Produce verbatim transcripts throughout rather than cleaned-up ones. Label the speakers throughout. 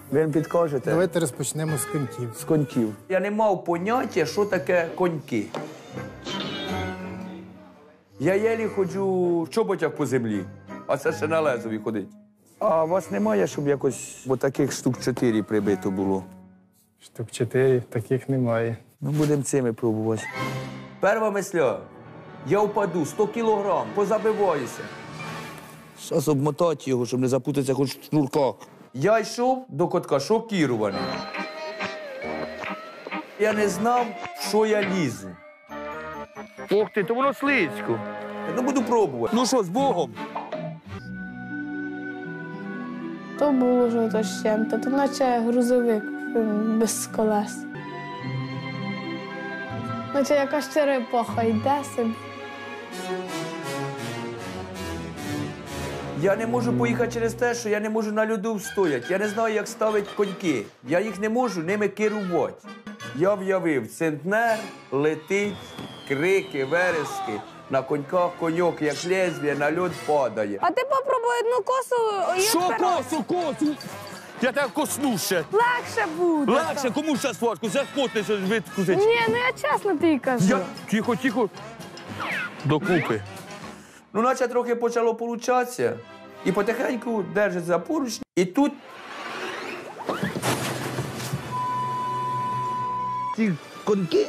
Speaker 1: Ви підкажете?
Speaker 2: Давайте розпочнемо з коньків.
Speaker 1: З коньків. Я не мав поняття, що таке коньки. Я єлі ходжу в чоботях по землі, а це ще на лезові ходить. А у вас немає, щоб якось бо таких штук чотири прибито було?
Speaker 2: Штук чотири, таких немає.
Speaker 1: Ну, будемо цими пробувати. Перша мисля. Я впаду, сто кілограм, позабиваюся. Зараз обмотати його, щоб не запутатися хоч в шнурках. Я йшов до котка шокірований. Я не знав, що я лізу. Ох ти, то воно слизько. Ну, буду пробувати. Ну що, з Богом?
Speaker 3: То було що-то з чим-то, то наче грузовик без колес. Наче якась черепаха йде собі.
Speaker 1: Я не можу поїхати через те, що я не можу на льоду встояти. Я не знаю, як ставити коньки. Я їх не можу ними керувати. Я в'явив, центнер летить, крики, верески. На коньках коньок, як лезвіє, на льод падає.
Speaker 3: А ти попробуй одну косу і
Speaker 1: Що
Speaker 3: вперед.
Speaker 1: косу, косу? Я тебе косну ще.
Speaker 3: Легше буде.
Speaker 1: Легше, кому ще важко? Зараз потнеться відкусить.
Speaker 3: Ні, ну я чесно тобі кажу.
Speaker 1: Я... Тихо, тихо. Докупи. Ну, наче трохи почало получатися. І потихеньку держить за поручні. І тут... Ці коньки.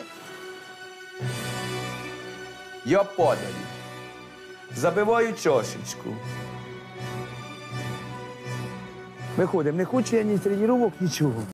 Speaker 1: Я падаю. Забиваю чашечку. Виходимо, не хочу я ні тренувок, нічого.